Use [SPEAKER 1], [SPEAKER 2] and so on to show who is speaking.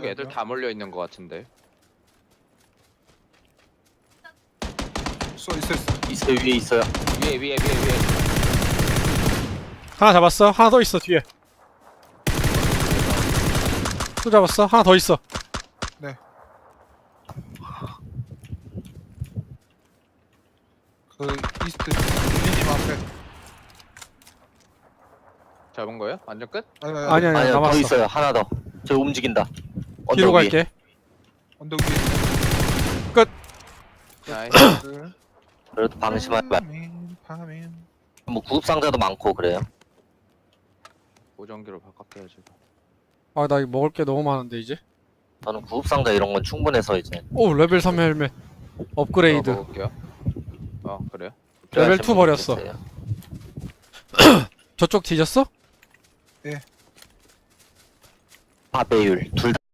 [SPEAKER 1] 여기 애들 다 몰려 있는 것 같은데.
[SPEAKER 2] 있어.
[SPEAKER 3] 있어요, 위에 있어요.
[SPEAKER 1] 위에.
[SPEAKER 4] 하나 잡았어. 하나 더 있어 뒤에. 또 잡았어. 하나 더 있어.
[SPEAKER 2] 그 이스트 유니님 앞에.
[SPEAKER 1] 잡은 거예요? 완전 끝?
[SPEAKER 4] 아니야
[SPEAKER 3] 아니요, 더
[SPEAKER 4] 남았어.
[SPEAKER 3] 있어요. 하나 더. 저 움직인다.
[SPEAKER 4] 뒤로
[SPEAKER 3] 언덕 위에.
[SPEAKER 4] 갈게.
[SPEAKER 2] 언덕 위에.
[SPEAKER 1] 나이스.
[SPEAKER 3] 그래도 방심하지 말.
[SPEAKER 2] 파민.
[SPEAKER 3] 뭐 구급상자도 많고 그래요.
[SPEAKER 1] 보정기로 바꿨대요 지금.
[SPEAKER 4] 아 나 이거 먹을 게 너무 많은데 이제.
[SPEAKER 3] 저는 구급상자 이런 건 충분해서 이제.
[SPEAKER 4] 오 레벨 3 헬멧. 업그레이드.
[SPEAKER 1] 먹을게요. 그래요?
[SPEAKER 4] 레벨
[SPEAKER 3] 필요하신
[SPEAKER 4] 2
[SPEAKER 3] 분
[SPEAKER 4] 버렸어.
[SPEAKER 3] 계세요.
[SPEAKER 4] 저쪽 뒤졌어?
[SPEAKER 3] 파배율 둘